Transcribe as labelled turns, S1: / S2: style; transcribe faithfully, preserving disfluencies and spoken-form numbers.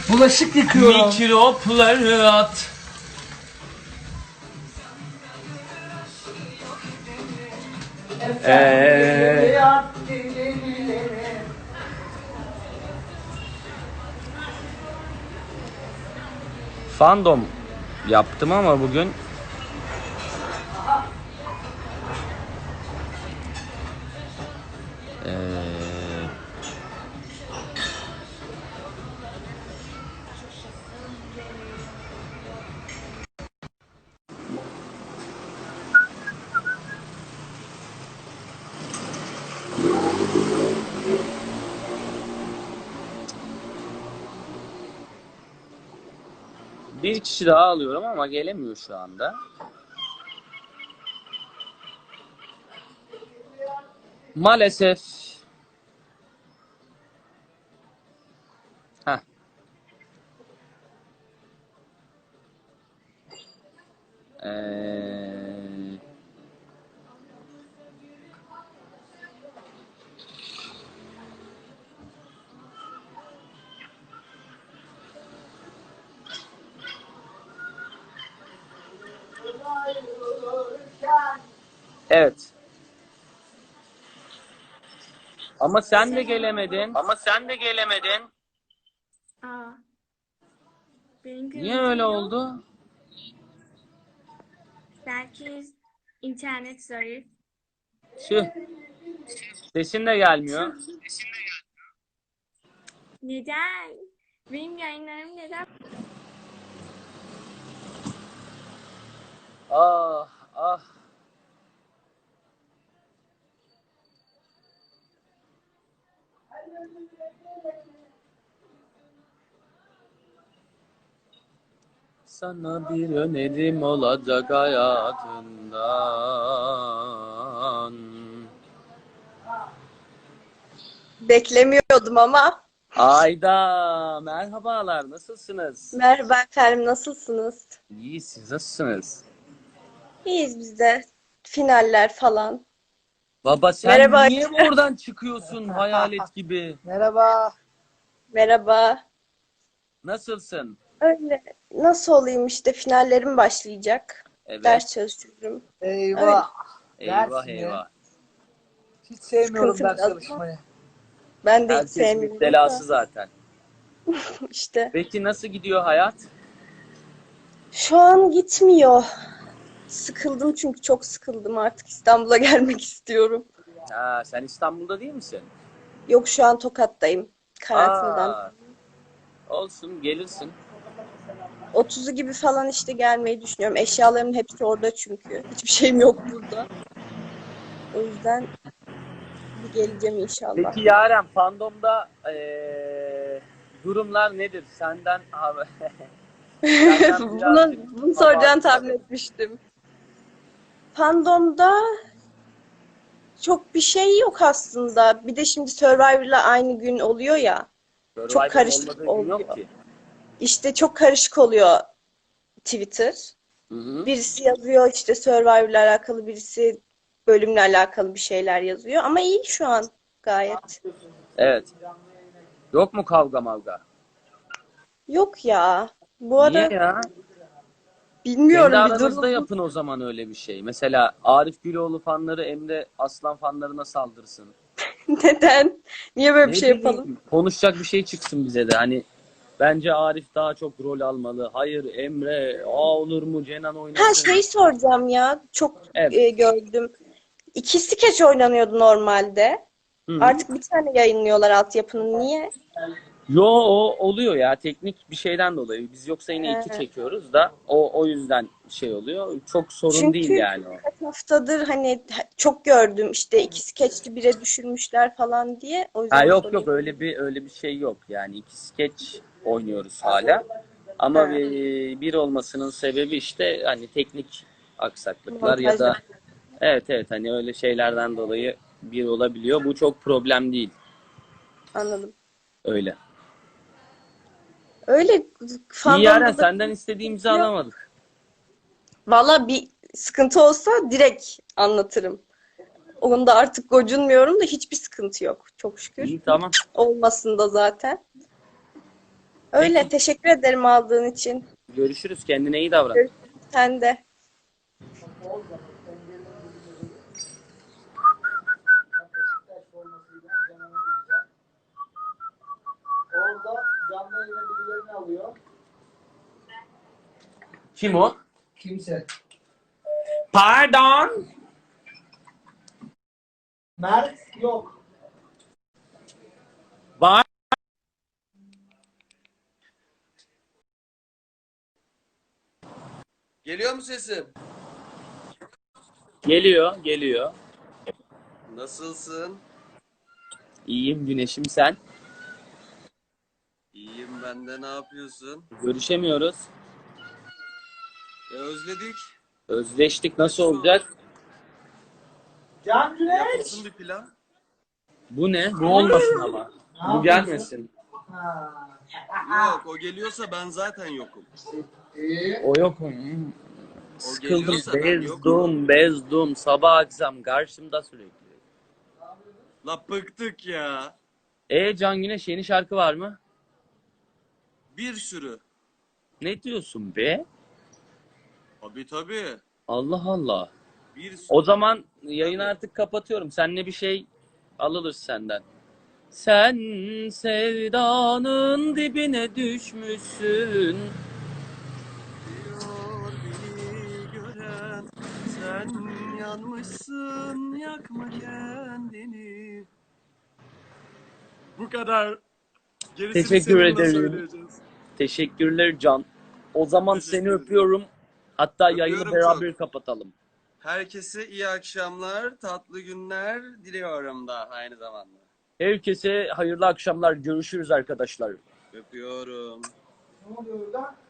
S1: Bulaşık yıkıyorum.
S2: Mikropları at. Eee Fandom yaptım ama bugün Eee bir kişi daha alıyorum ama gelemiyor şu anda. Maalesef. Heh. Ee, evet. Ama sen de gelemedin. Ama sen de gelemedin.
S3: Aa, benim
S2: Niye
S3: görüntüm
S2: öyle
S3: yok.
S2: oldu?
S3: Belki internet zayıf.
S2: Tüh. Sesin de gelmiyor.
S3: Neden? Benim yayınlarım neden?
S2: Ah ah. Sana bir önerim olacak hayatından.
S4: Beklemiyordum ama.
S2: Ayda merhabalar, nasılsınız?
S4: Merhaba efendim, nasılsınız?
S2: İyi, siz nasılsınız?
S4: İyiyiz biz de. Finaller falan.
S2: Baba sen
S4: Merhaba.
S2: niye oradan çıkıyorsun hayalet gibi?
S1: Merhaba.
S4: Merhaba.
S2: Nasılsın?
S4: Öyle. Nasıl olayım işte, finallerim başlayacak.
S2: Evet.
S4: Ders çalışıyorum.
S1: Eyvah.
S2: Eyvah
S1: Ders mi?
S2: eyvah.
S1: Hiç sevmiyorum
S4: Sıkıntı
S1: ders
S4: biraz.
S1: çalışmayı.
S4: Ben de hiç
S2: Herkesin
S4: sevmiyorum
S2: müptelası
S4: da.
S2: zaten.
S4: İşte.
S2: Peki nasıl gidiyor hayat?
S4: Şu an gitmiyor. Sıkıldım çünkü çok sıkıldım. Artık İstanbul'a gelmek istiyorum.
S2: Ha, sen İstanbul'da değil misin?
S4: Yok, şu an Tokat'tayım. Karantinadan.
S2: Aa, olsun gelirsin.
S4: otuzu gibi falan işte gelmeyi düşünüyorum. Eşyalarımın hepsi orada çünkü. Hiçbir şeyim yok burada. O yüzden bir geleceğim inşallah.
S2: Peki Yaren, fandomda eee, durumlar nedir? Senden abi. Senden
S4: Bunu,
S2: birazcık
S4: bunu
S2: hava
S4: soracağını tahmin
S2: istedim.
S4: etmiştim. Fandom'da çok bir şey yok aslında. Bir de şimdi Survivor'la aynı gün oluyor ya. Çok
S2: Survivor'ın
S4: karışık
S2: olmadığı gün yok
S4: oluyor.
S2: ki.
S4: İşte çok karışık oluyor Twitter.
S2: Hı hı.
S4: Birisi yazıyor işte Survivor'la alakalı, birisi bölümle alakalı bir şeyler yazıyor. Ama iyi şu an gayet.
S2: Evet. Yok mu kavga mavga?
S4: Yok ya. Bu
S2: Niye
S4: ara
S2: ya? Kendi
S4: bilmiyorum, bir
S2: aranızda
S4: durum.
S2: yapın o zaman öyle bir şey. Mesela Arif Güloğlu fanları Emre Aslan fanlarına saldırsın.
S4: Neden? Niye böyle bir
S2: Ne
S4: şey yapalım?
S2: bileyim, konuşacak bir şey çıksın bize de. Hani bence Arif daha çok rol almalı. Hayır Emre, aa olur mu Cenan
S4: Ha,
S2: oynasın.
S4: şey soracağım ya. Çok
S2: Evet.
S4: e, gördüm. İki skeç oynanıyordu normalde.
S2: Hı hı.
S4: Artık bir tane yayınlıyorlar altyapının. Niye?
S2: Yo, o oluyor ya, teknik bir şeyden dolayı. Biz yoksa yine iki
S4: He.
S2: çekiyoruz da o o yüzden şey oluyor. Çok sorun değil
S4: Çünkü
S2: yani o.
S4: kaç haftadır hani çok gördüm işte iki skeçli bire düşürmüşler falan diye. O
S2: Ha
S4: yüzden
S2: yok yok,
S4: sorayım.
S2: öyle bir öyle bir şey yok. Yani iki skeç oynuyoruz hala. Ama
S4: Ha,
S2: bir, bir olmasının sebebi işte hani teknik aksaklıklar ya
S4: montajda.
S2: da evet evet hani öyle şeylerden dolayı bir olabiliyor. Bu çok problem değil.
S4: Anladım.
S2: Öyle.
S4: Öyle
S2: İyi Yaren,
S4: fandomda da
S2: senden istediğimizi
S4: yok.
S2: alamadık.
S4: Valla bir sıkıntı olsa direkt anlatırım. Onda artık gocunmuyorum da hiçbir sıkıntı yok. Çok şükür.
S2: İyi tamam.
S4: Olmasın da zaten. Öyle.
S2: Peki.
S4: Teşekkür ederim aldığın için.
S2: Görüşürüz. Kendine iyi davran.
S4: Görüşürüz. Sen de.
S1: Beşiktaş formasıyla Canan'a gideceğim. Orada canlı yayına birilerini alıyor.
S2: Kim o?
S1: Kimse.
S2: Pardon.
S1: Mert yok.
S2: Var.
S5: Geliyor mu sesim?
S2: Geliyor, geliyor.
S5: Nasılsın?
S2: İyiyim Güneşim, sen?
S5: İyiyim ben de, ne yapıyorsun?
S2: Görüşemiyoruz.
S5: E, özledik.
S2: Özleştik, nasıl olacak?
S1: Can Güneş.
S5: Yapılsın bir plan.
S2: Bu ne? Bu olmasın ama.
S1: Ne
S2: Bu
S1: yapıyorsun?
S2: gelmesin.
S1: Ha.
S5: Yok, o geliyorsa ben zaten yokum.
S1: İyi.
S2: O yok. Hmm. Sıkıldım,
S5: geliyorsa ben yokum.
S2: bezdum, bezdum. Sabah akşam karşımda sürekli.
S5: La bıktık ya.
S2: E Can Güneş yeni şarkı var mı?
S5: Bir sürü.
S2: Ne diyorsun be?
S5: Tabii tabii.
S2: Allah Allah.
S5: Bir sürü.
S2: O zaman yayını
S5: Tabii.
S2: artık kapatıyorum. Seninle bir şey alınır senden. Sen sevdanın dibine düşmüşsün.
S5: Diyor beni gören, sen yanmışsın, yakma kendini. Bu kadar. Gerisini
S2: Teşekkür
S5: seninle
S2: ederim.
S5: söyleyeceğiz.
S2: Teşekkürler Can. O zaman
S5: Teşekkür
S2: seni
S5: ederim.
S2: öpüyorum. Hatta yayını
S5: Öpüyorum
S2: beraber
S5: çok.
S2: kapatalım.
S5: Herkese iyi akşamlar, tatlı günler diliyorum da aynı zamanda.
S2: Herkese hayırlı akşamlar. Görüşürüz arkadaşlar.
S5: Öpüyorum.
S1: Ne oluyor orada?